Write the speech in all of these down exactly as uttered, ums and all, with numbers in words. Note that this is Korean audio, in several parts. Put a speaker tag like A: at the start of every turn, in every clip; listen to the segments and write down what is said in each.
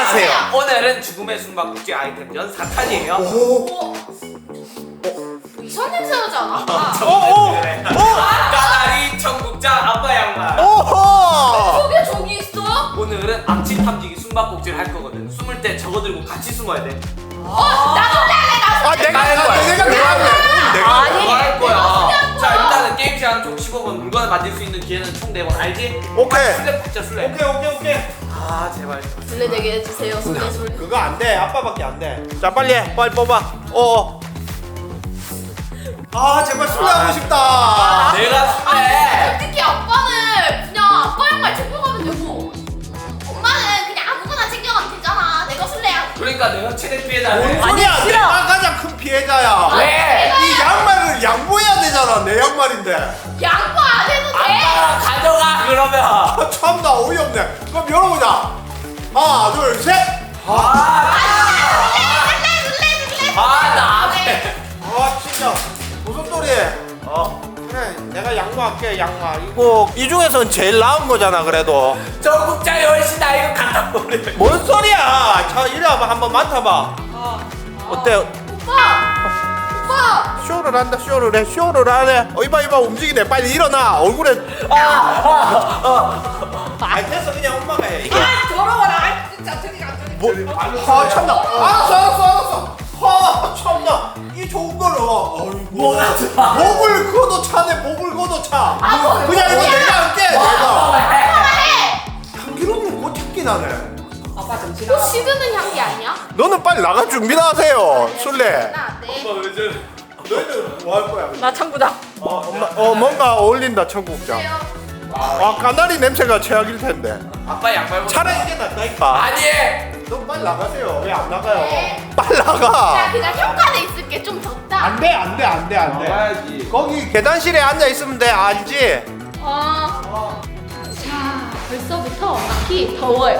A: 하세요.
B: 오늘은 죽음의 숨바꼭질 아이템전 사 탄이에요.
A: 오.
C: 이상 냄새 나지 않아?
A: 오.
B: 그래. 까다리 청국장 아빠 양말.
A: 오호.
C: 저게 저기 있어?
B: 오늘은 암치 탐지기 숨바꼭질 할 거거든. 숨을 때 저거 들고 같이 숨어야 돼.
C: 어, 나도
A: 아 내가 할 거야. 내가 내가 할래. 내가 할 거야.
B: 그거 할 거야. 자 일단은 게임 시간 총 십오 분. 물건을 만질 수 있는 기회는 총 네 번. 알지?
A: 오케이.
B: 술래 박자 술래.
A: 오케이 오케이 오케이.
B: 아 제발.
C: 술래 되게 해주세요. 술래 술래.
A: 그거 안 돼. 아빠밖에 안 돼. 자 빨리 해. 빨리 뽑아. 어. 아 제발 술래 하고 싶다.
B: 내가 술래.
C: 특히 아빠는 그냥 아빠 양말 챙겨가면 되고 엄마는 그냥 아무거나 챙겨가면 되잖아. 내가 술래야.
B: 그러니까 내가 최대 피해자.
A: 뭔 소리야? 내가 가장 큰 피해자야.
B: 왜?
A: 이 양말을 양보해야 되잖아. 내 양말인데.
C: 양보 안 해도 돼.
B: 아빠가 가져가 그러면.
A: 아, 참나 어이없네. 그럼 열어보자. 하나 둘 셋.
B: 아,
C: 술래 술래 술래.
B: 아, 나 앞에.
A: 아 진짜 무슨 소리? 어 그래 내가 양보할게. 양말 이거 이 중에서는 제일 나은 거잖아. 그래도
B: 전국장이 훨씬 나 이거 갖다 버려.
A: 뭔 소리야? 자 이리 와봐. 한번 맡아봐. 어때?
C: 오빠. 오빠.
A: 쇼를 한다. 쇼를 해. 쇼를 하네. 어 이봐 이봐 움직이네. 빨리 일어나. 얼굴에 아 됐어. 그냥 엄마가 해. 이게
C: 아 더러워라. 진짜 저기 가 저기.
A: 뭐? 아 참나. 알았어 알았어 알았어. 아 참나. 이 좋은 거를 어이구 목을 걷어 차네. 목을 걷어 차. 그냥 이거 내가 할게. 내가 향기로운 꽃 향기 나네.
C: 뭐 식으는 향기 아니야?
A: 너는 빨리 나갈 준비나 하세요. 술래.
C: 나 네.
B: 왜 저래?
A: 너희들 뭐 할 거야?
C: 나 창구다.
A: 어, 엄마, 어 뭔가 어울린다. 청국장. 아 까나리 냄새가 최악일 텐데.
B: 아빠 양말 벗어.
A: 차라리 이게 낫다니까.
B: 아니.
A: 너 빨리 나가세요. 왜 안 나가요?
C: 네.
A: 빨리
C: 자
A: 나가.
C: 그냥 현관에 있을게. 좀 덥다.
A: 안돼 안돼 안돼 안돼.
B: 나가야지.
A: 거기 계단실에 앉아 있으면 돼. 알지?
C: 어. 자 벌써부터 막히 더워요.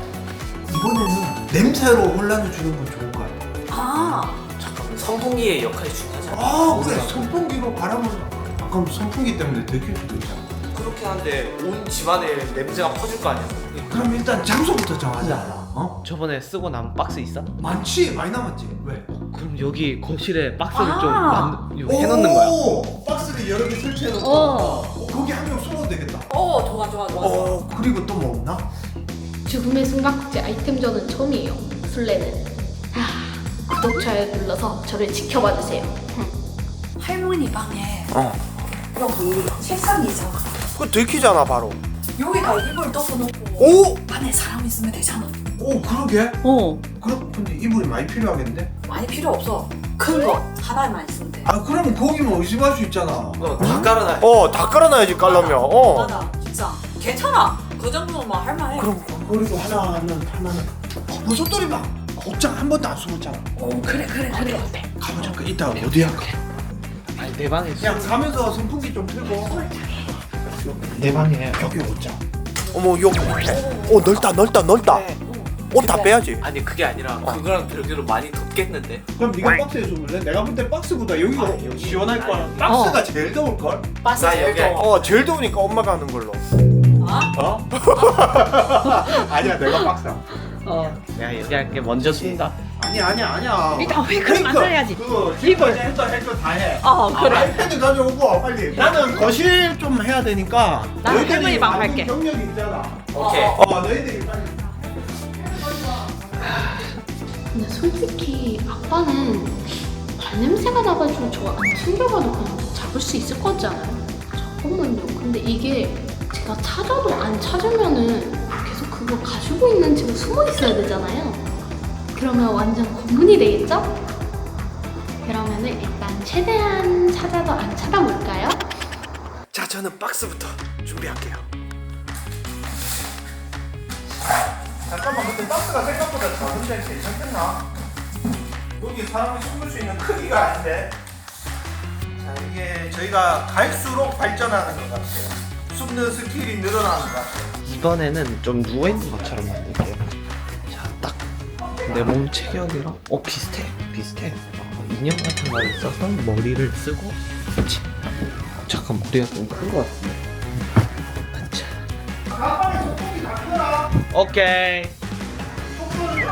D: 이번에는 냄새로 혼란을 주는 건 좋을 것 같아.
C: 아.
B: 잠깐만 선풍기의 역할이 중요하잖아.
D: 아 그래 선풍기로 바람을 아, 그럼 선풍기 때문에 들킬 수도 있잖아.
B: 그렇긴 한데 온 집안에 냄새가 퍼질 거 아니야.
D: 그럼 일단 장소부터 정하자. 어?
E: 저번에 쓰고 남은 박스 있어?
D: 많지 많이 남았지. 왜?
E: 그럼 여기 거실에 박스를
C: 아.
E: 좀 만, 이거 해놓는 거야.
D: 오, 박스를 여러 개 설치해놓고
C: 어.
D: 어, 거기 한 명 숨어도 되겠다.
C: 어 좋아 좋아 좋아.
D: 어 그리고 또 뭐 없나?
C: 죽음의 숨바꼭질 아이템전은 처음이에요. 술래는. 아, 구독 좋아요 눌러서 저를 지켜봐 주세요.
F: 할머니 방에
A: 어.
F: 여기 책상이 있잖아.
A: 그거 들키잖아 바로.
F: 여기다 이불 덮어놓고
A: 오!
F: 안에 사람 있으면 되잖아.
D: 오 그러게.
F: 어.
D: 그럼 근데 이불이 많이 필요하겠는데?
F: 많이 필요 없어. 큰 거 하나만 있으면 돼.
D: 아 그러면 거기만 의심할 수 있잖아.
B: 다 깔아놔.
A: 어, 다 깔아놔야지 깔려면. 어.
F: 맞아. 진짜 괜찮아. 그 정도만 할만해.
D: 그럼 그리고 하나는 하나는 어, 버섯돌이 봐. 옷장 한 번도 안 숨었잖아.
F: 어 그래 그래 그래.
D: 가보자. 그 이따 어디 할까?
E: 아니 내 방에 있어.
D: 그냥 가면서 선풍기 좀 틀고.
E: 내 방에.
D: 여기 옷장.
A: 어머 여기 밑에. 어 넓다 넓다 넓다. 옷 다 빼야지.
B: 아니 그게 아니라 그거랑 별개로 많이 덥겠는데.
D: 그럼 네가 박스에 숨을래? 내가 볼 때 박스보다 여기가 시원할 거야. 박스가 제일 더울 걸?
B: 나 여기 할게.
A: 어 제일 더우니까 엄마가 하는 걸로.
D: 어? 아니야 내가 박스.
E: 어. 내가 얘기할게. 먼저 쓴다.
D: 아니야 아니야 아니야.
F: 일단 왜 그럼 만들어야지.
D: 그거 이걸 했다 했다 다 해.
F: 어 그래.
D: 아이패드 가져오고 빨리. 나는 거실 좀 해야 되니까.
F: 나는
D: 너희들이
F: 할머니 방
D: 많은
F: 갈게.
D: 경력이 있잖아.
B: 오케이.
D: 어 너희들이 빨리.
C: 근데 솔직히 아빠는 발냄새가 나가지고 저 안 챙겨가도 그냥 잡을 수 있을 것 같지 않아요? 잠깐만요. 근데 이게 제가 찾아도 안 찾으면은 계속 그거 가지고 있는 채로 숨어 있어야 되잖아요. 그러면 완전 고문이 되겠죠? 그러면은 일단 최대한 찾아도 안 찾아볼까요?
A: 자 저는 박스부터 준비할게요.
D: 잠깐만 근데 박스가 생각보다 작은데 괜찮겠나? 여기 사람이 숨을 수 있는 크기가 아닌데. 자 이게 저희가 갈수록 발전하는 것 같아요. 숨는 스킬이 늘어나는 것 같아요.
E: 이번에는 좀 누워 있는 것처럼 만들게요. 자, 딱 내 몸 체격이랑 어 비슷해, 비슷해. 어, 인형 같은 거 있어서 머리를 쓰고. 그렇지. 어, 잠깐 머리가 좀 큰 것 같은데. 자.
D: 자 빨리 소고기 다 켜라.
E: 오케이.
D: 속도는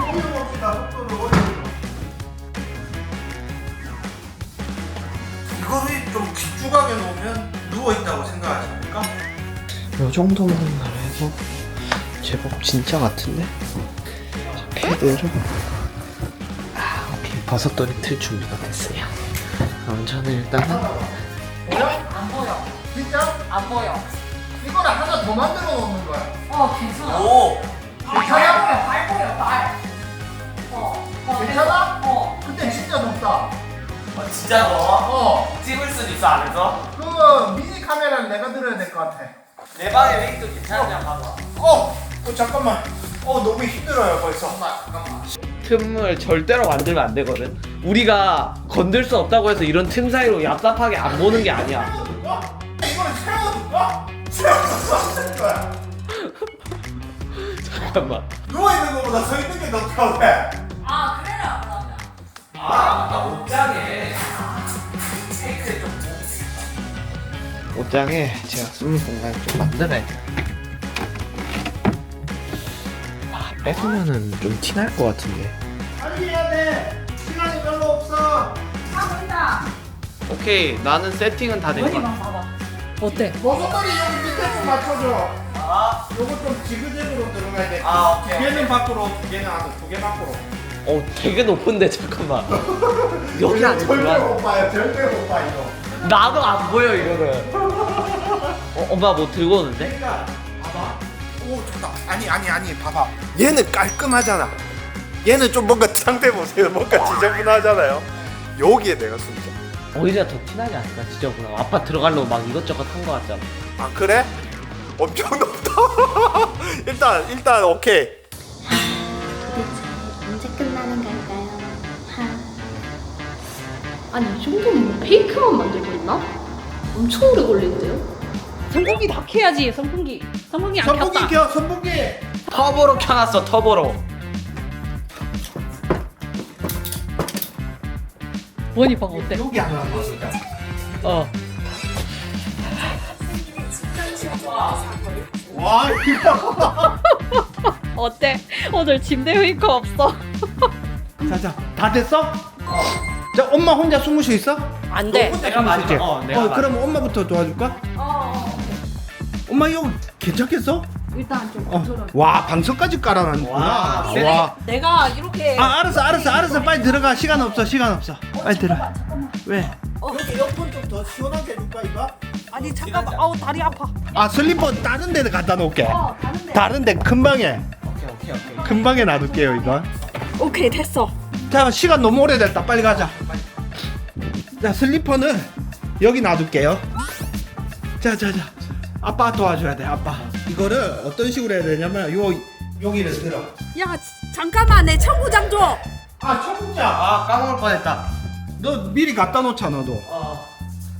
D: 귀뚜각에 놓으면 누워있다고 생각하십니까?
E: 요 정도만 해서 제법 진짜 같은데? 자, 패드를 아, 오케이. 버섯돌이 틀 준비가 됐어요. 그럼 저는 일단은
D: 보여?
F: 안 보여.
D: 진짜?
F: 안 보여.
D: 이거를 하나 더 만들어 놓는 거야.
F: 어, 괜찮아.
B: 오.
D: 괜찮아?
F: 발 보여, 발. 어, 어,
D: 괜찮아?
F: 어.
D: 근데 진짜 높다.
B: 어, 진짜 너
D: 어.
B: 찍을 수도 있어 안에서?
D: 그 미니 카메라를 내가 들어야 될 것 같아.
B: 내 방에 웨이트 괜찮냐 봐봐.
D: 어! 어 잠깐만. 어 너무 힘들어요 벌써.
B: 잠깐만.
E: 틈을 절대로 만들면 안 되거든. 우리가 건들 수 없다고 해서 이런 틈 사이로 얍삽하게 안 보는 게 아니야.
D: 어? 이거를 세워놓을까? 세워놓고 하는 거야.
E: 잠깐만.
D: 누워있는 것보다 서있는 게 더 편해.
F: 아, 그래라, 그러면.
B: 아 아까 옷장에 케이크에 좀
E: 옷장에 제가 숨는 공간 좀 만들어야 돼. 아, 뺏으면은 좀 티 날 것 같은데.
D: 빨리 해야 돼. 시간이 별로 없어.
F: 아, 보인다.
E: 오케이, 나는 세팅은 다 된 거야.
F: 원이만 봐봐. 어때?
D: 버섯돌이 여기 밑에 좀 맞춰줘.
B: 아,
D: 요거 좀 지그재그로 들어가야 돼.
B: 아 오케이.
D: 두 개는 밖으로, 두 개는 안으로, 두 개 밖으로.
E: 어, 되게 높은데 잠깐만. 여기 안에
D: 절대
E: 들어가.
D: 못 봐요. 절대 못 봐 이거.
E: 나도 안 보여 이거는. 어, 엄마 뭐 들고 오는데?
D: 그러니까 봐봐. 오 좋다. 아니 아니 아니 봐봐. 얘는 깔끔하잖아. 얘는 좀 뭔가 상태 보세요. 뭔가 지저분하잖아요. 여기에 내가 숨자.
E: 오히려 더 티나지 않을까 지저분하고. 아빠 들어가려고 막 이것저것 한 거 같잖아.
D: 아 그래? 엄청 높다. 일단 일단 오케이.
C: 도대체 언제 끝나는 걸까요? 하... 아니 이 정도면 뭐 페이크만 만들고 있나? 엄청 오래 걸리는데요?
F: 선풍기 다 켜야지, 선풍기. 선풍기 안
D: 선풍기
F: 켰다.
D: 켜 선풍기.
E: 터보로 켜놨어 터보로.
F: 원이 봐봐, 어때?
D: 여기 하나 보자.
E: 어.
D: 와 이거.
F: 어때? 오늘 침대 메이커 없어.
D: 자자 다 됐어? 자 엄마 혼자 숨을 수 있어?
F: 안 돼.
E: 내가 마지막. 어, 내가
D: 어
E: 마지막.
D: 그럼 엄마부터 도와줄까?
F: 어,
D: 엄마 이거 괜찮겠어?
F: 일단 좀
D: 어.
F: 컨트롤.
D: 와 방석까지 깔아놨구나.
E: 와,
D: 와.
F: 내가 이렇게.
D: 아 알았어 알았어 알았어 빨리 들어가 시간 없어 시간 없어 빨리 들어가. 왜?
F: 어.
D: 여기 에어컨 좀 더 시원하게 해줄까 이거?
F: 아니, 잠깐만. 아우, 다리 아파.
D: 아 슬리퍼 다른 데 갖다 놓을게.
F: 어, 다른데.
D: 다른 데 큰 방에
E: 오케이 오케이 오케이.
D: 큰 방에 놔둘게요 이거.
F: 오케이, 됐어.
D: 자 시간 너무 오래됐다 빨리 가자. 자 슬리퍼는 여기 놔둘게요. 자자자 아빠 도와줘야 돼 아빠. 이거를 어떤 식으로 해야 되냐면 요 여기를 들어.
F: 야, 잠깐만. 내 청구장 줘.
D: 아 청국장.
E: 아 까먹을 뻔했다.
D: 너 미리 갖다 놓자 너도.
E: 어.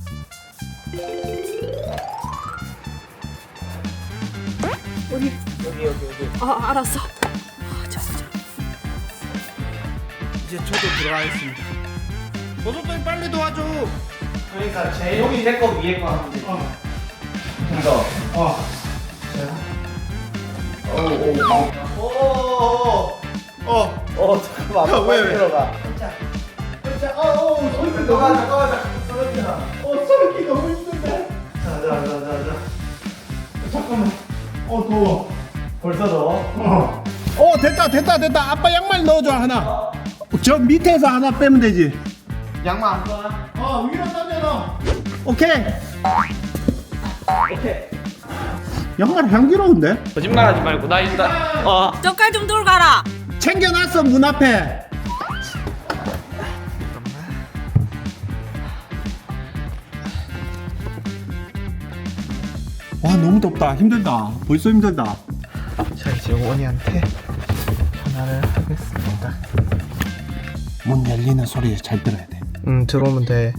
F: 어디?
E: 여기 여기 여기.
F: 아, 알았어. 아, 자, 자.
D: 이제 저도 들어가겠습니다. 버섯돌이 빨리 도와줘.
E: 그러니까 제 여기 내 거 위에 거 하면 돼.
D: 어.
E: 이거.
D: 어. 오오오. 어.
E: 어 잠깐만.
D: 야, 왜, 왜?
E: 들어가.
D: 자, 어, 어, 소리 너무 잠깐만, 소리 나. 어, 소리 너무 힘든데. 자, 자, 자, 자, 자. 잠깐만. 어, 더워.
E: 벌써 넣어?
D: 어. 어, 됐다, 됐다, 됐다. 아빠 양말 넣어줘 하나. 저 밑에서 하나 빼면 되지.
E: 양말 안 꺼나?
D: 어, 위로 던져놔. 오케이.
E: 오케이.
D: 양말 향기로운데?
E: 거짓말하지 말고 나 일단 어.
F: 젓갈 좀 들고 가라.
D: 챙겨놨어 문 앞에. 와 너무 덥다 힘들다 벌써 힘들다.
E: 자 이제 원이한테 전화를 하겠습니다.
D: 문 열리는 소리 잘 들어야 돼.
E: 음 들어오면 돼.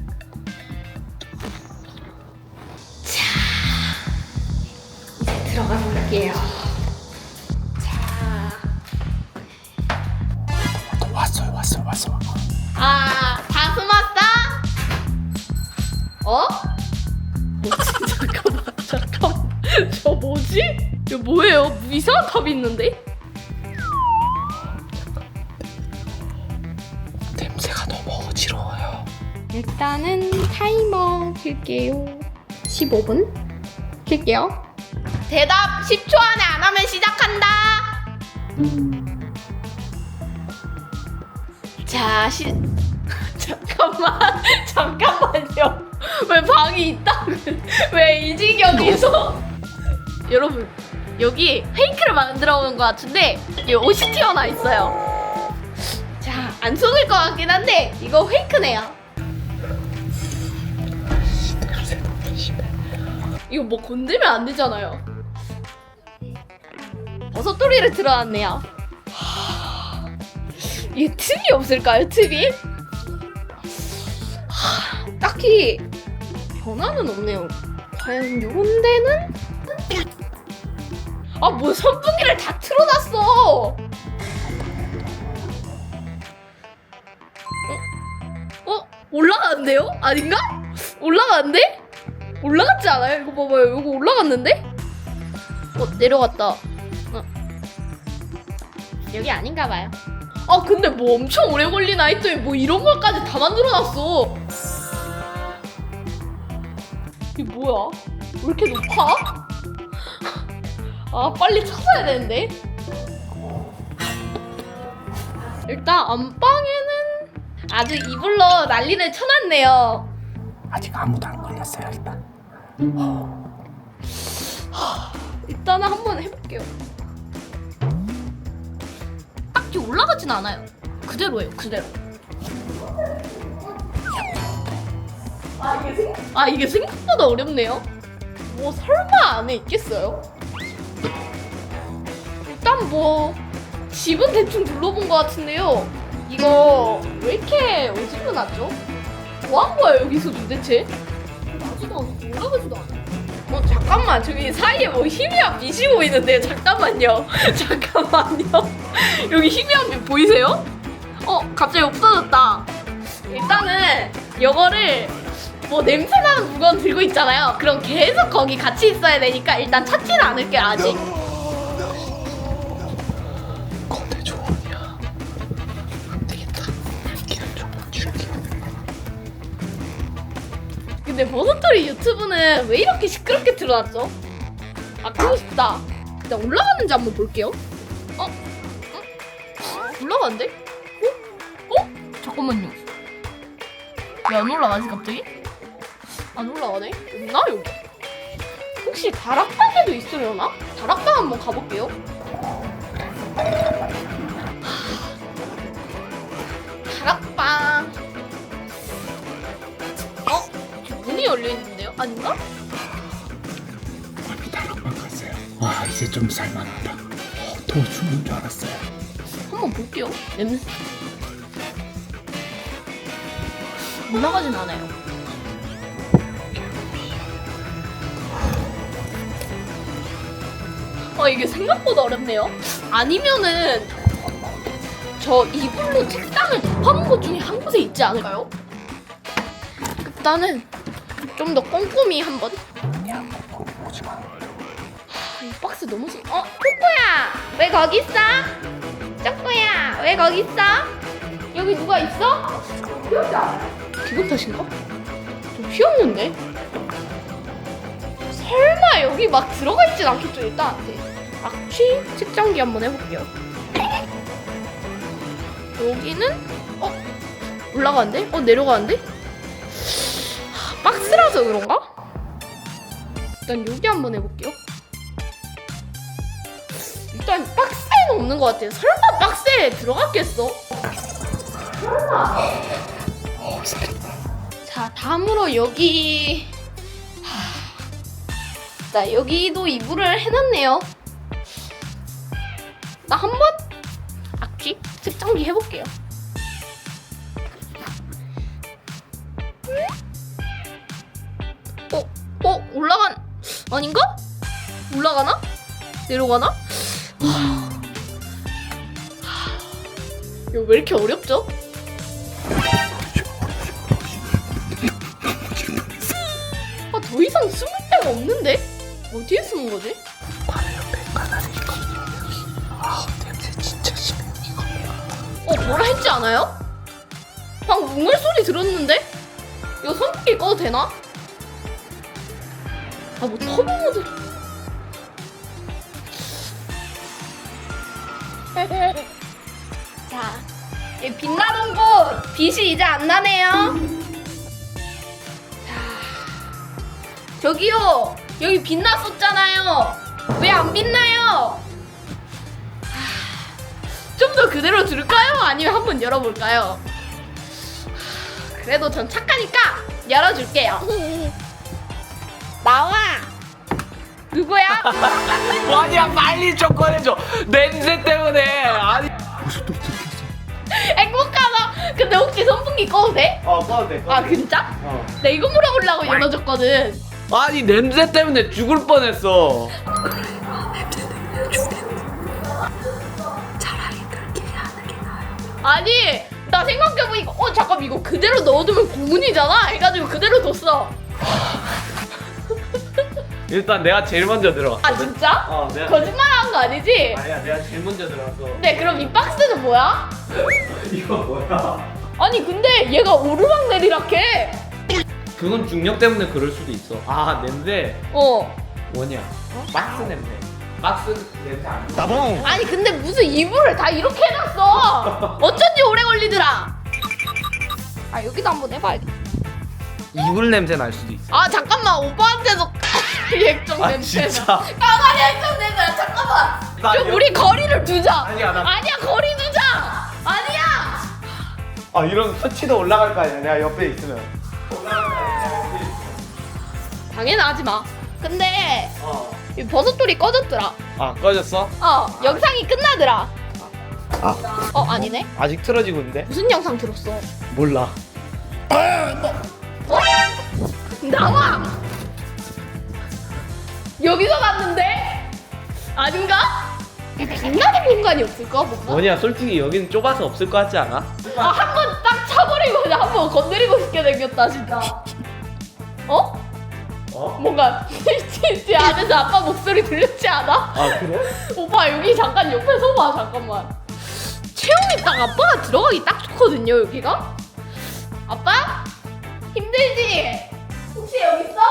C: 들어가 볼게요. 자,
D: 왔어요 왔어요 왔어.
C: 아, 다 숨었어? 어? 뭐지? 잠깐만, 잠깐만. 저 뭐지? 이거 뭐예요? 이상한 탑이 있는데?
E: 냄새가 너무 어지러워요.
C: 일단은 타이머 킬게요. 십오 분 킬게요. 대답 십 초 안에 안 하면 시작한다. 자, 시... 잠깐만, 잠깐만요. 왜 방이 있다? 왜 이 지경에서? 여러분, 여기 페이크를 만들어 오는 것 같은데 여기 옷이 튀어나와 있어요. 자, 안 속을 것 같긴 한데 이거 페이크네요. 이거 뭐 건들면 안 되잖아요. 버섯돌이를 들어왔네요. 이게 틈이 없을까요? 틈이? 하, 딱히 변화는 없네요. 과연 요런 데는? 아, 뭐 선풍기를 다 틀어놨어. 어? 어? 올라가는데요? 아닌가? 올라가는데? 올라갔지 않아요? 이거 봐봐요. 이거 올라갔는데? 어, 내려갔다. 어. 여기 아닌가 봐요. 아, 근데 뭐 엄청 오래 걸리나 했더니 뭐 이런 걸까지 다 만들어놨어. 이게 뭐야? 왜 이렇게 높아? 아, 빨리 찾아야 되는데. 일단 안방에는 아주 이불로 난리를 쳐놨네요.
D: 아직 아무도 안 걸렸어요 일단.
C: 일단은 한번 해볼게요. 딱히 올라가진 않아요. 그대로예요, 그대로. 아, 이게, 생... 아, 이게 생각보다 어렵네요. 뭐 설마 안에 있겠어요? 일단 뭐 집은 대충 둘러본 것 같은데요. 이거 왜 이렇게 어지러놨죠? 뭐 한 거야 여기서 도대체? 나지도 않고 올라가지도 않아. 어, 잠깐만, 저기 사이에 뭐 희미한 빛이 보이는데요. 잠깐만요. 잠깐만요. 여기 희미한 빛 보이세요? 어, 갑자기 없어졌다. 일단은 이거를 뭐 냄새나는 물건 들고 있잖아요. 그럼 계속 거기 같이 있어야 되니까 일단 찾지는 않을게요, 아직.
E: 거대 조언이야. 안 되겠다. 길을 좀 줄게.
C: 근데 버섯돌이 유튜브는 왜 이렇게 시끄럽게 틀어놨죠? 아, 끄고 싶다. 일단 올라가는지 한번 볼게요. 어? 어? 올라가는데? 어? 어? 잠깐만요. 왜 안 올라가지 갑자기? 안 올라가네? 없나 여기? 혹시 다락방에도 있으려나? 다락방 한번 가볼게요. 다락방. 어? 저 문이 열려있는데요? 아닌가?
D: 아비 다락방 갔어요. 와 이제 좀 살만하다. 어, 더 죽는 줄 알았어요.
C: 한번 볼게요. 냄새. 올라가진 않아요. 아, 이게 생각보다 어렵네요. 아니면은 저 이불로 책상을 덮어놓은 것 중에 한 곳에 있지 않을까요? 일단은 좀 더 꼼꼼히 한번. 하, 이 박스 너무 심. 어, 코코야, 왜 거기 있어? 쪼꼬야, 왜 거기 있어? 여기 누가 있어? 기분 탓인가? 좀 휘었는데? 설마 여기 막 들어가 있진 않겠죠, 일단. 네. 악취 측정기 한번 해볼게요. 여기는 어? 올라가는데? 어, 내려가는데? 하, 박스라서 그런가? 일단 여기 한번 해볼게요. 일단 박스에는 없는 것 같아요. 설마 박스에 들어갔겠어? 설마. 자, 다음으로 여기. 하... 자, 여기도 이불을 해놨네요. 나 한번 악취 측정기 해볼게요. 어? 어? 올라간... 아닌가? 올라가나? 내려가나? 하... 이거 왜 이렇게 어렵죠? 아, 더 이상 숨을 데가 없는데? 어디에 숨은 거지?
E: 바로 옆에 가나리 있거든요. 여기. 아, 냄새 진짜 심해요 이거.
C: 어, 뭐라 했지 않아요? 방금 웅얼 소리 들었는데? 이거 선풍기 꺼도 되나? 아 뭐 터보 모드. 자, 이 빛나던 곳 빛이 이제 안 나네요. 자, 저기요, 여기 빛났었잖아요. 왜 안 빛나요? 좀 더 그대로 둘까요? 아니면 한번 열어볼까요? 그래도 전 착하니까 열어줄게요. 나와. 누구야?
B: 원이야 빨리 좀 꺼내줘. 냄새 때문에. 아니.
C: 행복하다. 근데 혹시 선풍기 꺼도 돼?
E: 어 꺼도 돼.
C: 아 진짜?
E: 어.
C: 나 이거 물어보려고 열어줬거든.
B: 아니 냄새 때문에 죽을 뻔했어.
C: 아니 나 생각해보니까 어 잠깐 이거 그대로 넣어두면 고문이잖아 해가지고 그대로 뒀어.
B: 일단 내가 제일 먼저 들어갔거든.
C: 아 진짜?
B: 어, 내가
C: 거짓말하는 거 아니지?
B: 아니야 내가 제일 먼저 들어갔어.
C: 네 그럼 이 박스는 뭐야?
B: 이거 뭐야?
C: 아니 근데 얘가 오르락 내리락 해.
B: 그건 중력 때문에 그럴 수도 있어. 아 냄새
C: 어.
B: 뭐냐? 박스 냄새. 박스 냄새 안 나.
C: 아니 근데 무슨 이불을 다 이렇게 해놨어. 어쩐지 오래 걸리더라. 아 여기도 한번 해봐야겠다.
B: 이불 냄새 날 수도 있어.
C: 아 잠깐만 오빠한테도 액정
B: 아,
C: 냄새.
B: 진짜?
C: 까마리 액정 냄새야. 잠깐만.
B: 나
C: 좀
B: 여-
C: 우리 거리를 두자.
B: 아니야, 나-
C: 아니야 거리 두자. 아니야.
E: 아 이런 수치도 올라갈 거 아니야. 내가 옆에 있으면.
C: 당연하지 마. 근데
B: 어.
C: 이 버섯돌이 꺼졌더라.
B: 아 꺼졌어?
C: 어 영상이 끝나더라.
E: 아
C: 어 아니네.
E: 아직 틀어지고 있는데?
C: 무슨 영상 들었어?
E: 몰라.
C: 어? 나와! 여기서 갔는데? 아닌가? 빛나는 공간이 없을까? 뭔가?
B: 뭐냐 솔직히 여기는 좁아서 없을 것 같지 않아?
C: 아, 한 번 딱 차버리고 그냥 한 번 건드리고 싶게 생겼다, 진짜. 어?
B: 어?
C: 뭔가 제 안에서 아빠 목소리 들렸지 않아?
B: 아 그래?
C: 오빠 여기 잠깐 옆에 서봐, 잠깐만. 체온이 딱 아빠가 들어가기 딱 좋거든요, 여기가? 아빠? 힘들지? 혹시 여기 있어?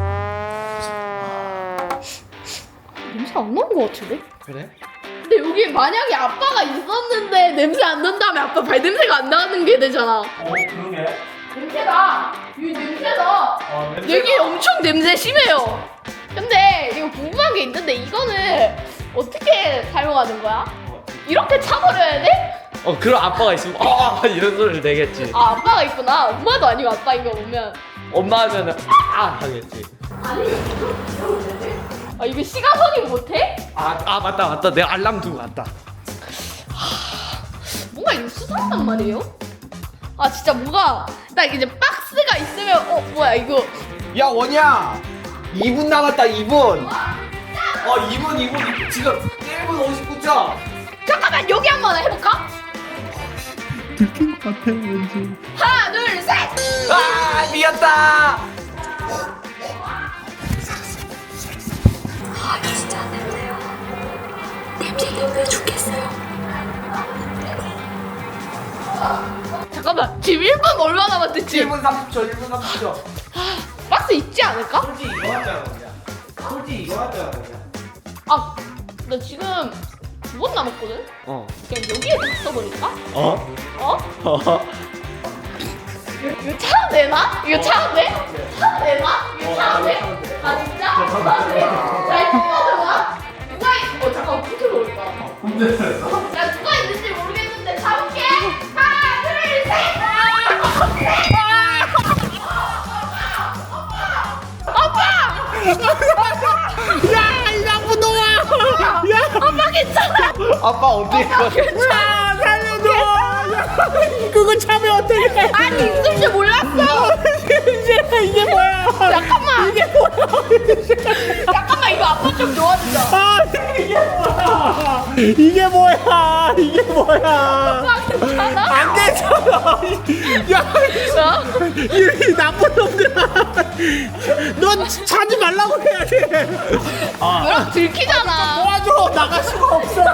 C: 냄새 안 나는 것 같은데?
B: 그래?
C: 근데 여기 만약에 아빠가 있었는데 냄새 안 난다면 아빠 발냄새가 안 나는 게 되잖아.
B: 어 그러게.
C: 냄새다. 여기 냄새다.
B: 어
C: 여기 엄청 냄새 심해요. 근데 이거 궁금한 게 있는데 이거는 어떻게 사용하는 거야? 이렇게 차버려야 돼?
B: 어 그럼 아빠가 있으면 아 이런 소리를 내겠지.
C: 아 아빠가 있구나. 엄마도 아니고 아빠인 거 보면.
B: 엄마 하면은 아 하겠지.
C: 아니 아 이거 시가선이 못해?
B: 아, 아 맞다 맞다 내가 알람 두고 갔다.
C: 뭔가 이거 수상한 말이에요? 아 진짜 뭐가 딱 이제 박스가 있으면 어 뭐야 이거
B: 야 원이야 이 분 남았다 이 분. 어 이 분 이 분 지금 일 분 오십구 초.
C: 잠깐만 여기 한번 해볼까?
E: 들킨 것 같아 왠지.
C: 하나 둘 셋.
B: 아 미웠다.
C: 잠깐만 지금 일 분 얼마 남았댔지?
B: 일 분 삼십 초 일 분 삼십 초.
C: 박스 있지 않을까?
B: 솔직히 이거 하잖아 원이야. 솔직히 이거 하잖아 원이야.
C: 아 나 지금 두 번 남았거든?
B: 어.
C: 그냥 여기에 다 써버릴까?
B: 어?
C: 어?
B: 어?
C: 이거 차도 되나? 이거 차도 돼? 차도 되나? 이거 차도 돼? 아 진짜? 차도 돼? 잘 뽑아줘봐. 누가 있... 어 잠깐 어떻게 넣을까? 야 누가 있는지 모르겠는데 잡을게. 하나 둘 셋.
A: 야, 이 나쁜 놈아! 야,
C: 아빠 괜찮아?
E: 아빠 어디 가?
A: 야, 살려줘! 야, 그거 참여 어떡해?
C: 아니 있을 줄 몰랐어.
A: 이제 이게 뭐야?
C: 잠깐만.
A: 이게 뭐야?
C: 잠깐만 이거 아빠 좀 도와주자.
A: 아, 이게 뭐야? 이게 뭐야? 이게 뭐야?
C: 아빠 괜찮아?
A: 안 괜찮아! 야,
C: 어?
A: 이, 이 나쁜 놈들아! 넌 차지 말라고 해야 돼!
C: 그럼 들키잖아.
A: 도와줘! 나갈 수가 없어!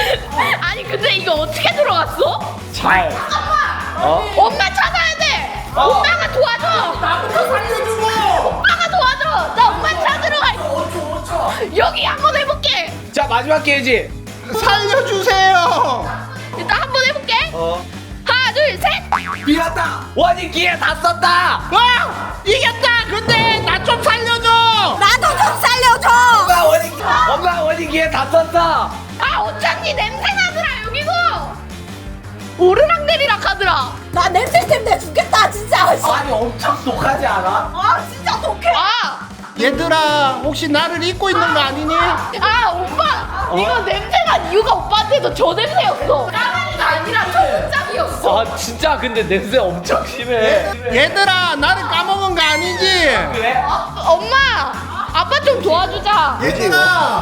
C: 아니 근데 이거 어떻게 들어갔어?
B: 잘.
C: 엄마 찾아야 돼. 엄마가 도와줘.
A: 나부터 살려주고.
C: 엄마가 도와줘. 나 엄마 찾으러 갈. 여기 한번 해볼게.
B: 자 마지막 기회지.
A: 살려주세요.
C: 일단 한번 해볼게.
B: 어.
C: 하나 둘 셋.
B: 비었다. 원인 기회 다 썼다.
A: 와 이겼다. 근데 나 좀 살려줘.
G: 나도 좀 살려줘.
B: 엄마 원인 기- 엄마 원인 기회 다 썼다.
C: 아 어쩐지 냄새 나더라 여기고. 오르락 내리락 하더라.
G: 나 냄새 때문에 죽겠다 진짜.
B: 아니 엄청 독하지 않아?
G: 아 진짜 독해.
C: 아,
A: 얘들아 혹시 나를 잊고 있는 거 아니니?
C: 아 오빠 이거 냄새가 이유가 오빠한테도 저 냄새였어. 까만이가 아니라 초국장이었어.
B: 아 진짜 근데 냄새 엄청 심해.
A: 얘들아 나를 까먹은 거 아니지?
B: 그래?
C: 엄마 아빠 좀 도와주자.
A: 얘들아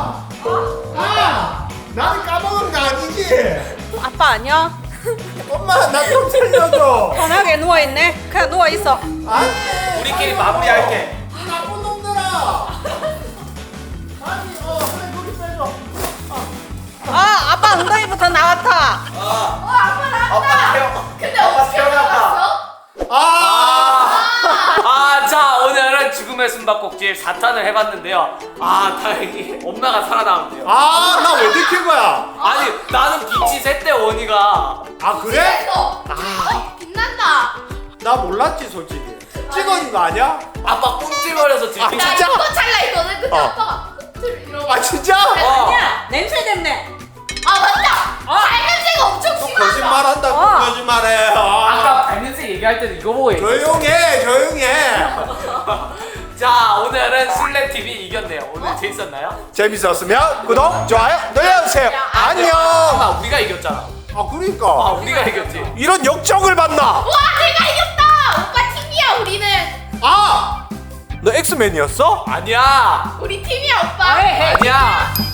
A: 아 나를 까먹은 거 아니지?
G: 아빠 안녕.
A: 엄마 나 좀 살려줘.
G: 편하게 누워 있네. 그냥 누워 있어.
A: 아니
B: 우리끼리 마무리할게.
A: 이 나쁜 놈들아. 아니 어 그래 거기 빼줘.
G: 아 아빠 엉덩이부터 나왔다.
B: 아빠 태어.
C: 근데
B: 아빠
C: 어떻게
B: 태어났다.
C: 나왔어?
A: 아
H: 아, 자, 오늘은 죽음의 숨바꼭질 사 탄을 해봤는데요. 아, 다행히 엄마가 살아남았네요.
A: 아, 나 왜 들킨 거야?
H: 아니, 나는 빛이 샜대, 원이가.
A: 아, 그래?
C: 어, 어 빛난다.
A: 나 몰랐지, 솔직히. 찍어준 거 아니야?
H: 아빠 꽁찔거려서
A: 아,
H: 들킨
C: 나
A: 진짜?
C: 이거 찰나 했거든. 근데
A: 어.
C: 아빠가 콧을 이러고.
A: 아, 진짜?
H: 어.
G: 아니야 냄새 때문에.
C: 아 맞다. 발냄새가 엄청 심하다.
A: 거짓말 한다,
G: 어.
A: 거짓말해.
H: 아까 발냄새 얘기할 때도 이거 보고 얘기했어.
A: 조용해, 조용해.
H: 자, 오늘은 술래팀이 이겼네요. 오늘 재밌었나요?
A: 재밌었으면 구독, 좋아요 눌러주세요. 안녕.
H: 아마 우리가 이겼잖아.
A: 아,
H: 아,
A: 그러니까.
H: 우리가 이겼지.
A: 이런 역적을 만나.
C: 와 내가 이겼다. 오빠 팀이야 우리는.
A: 아! 너 엑스맨이었어?
H: 아니야.
C: 우리 팀이야 오빠.
H: 아니야.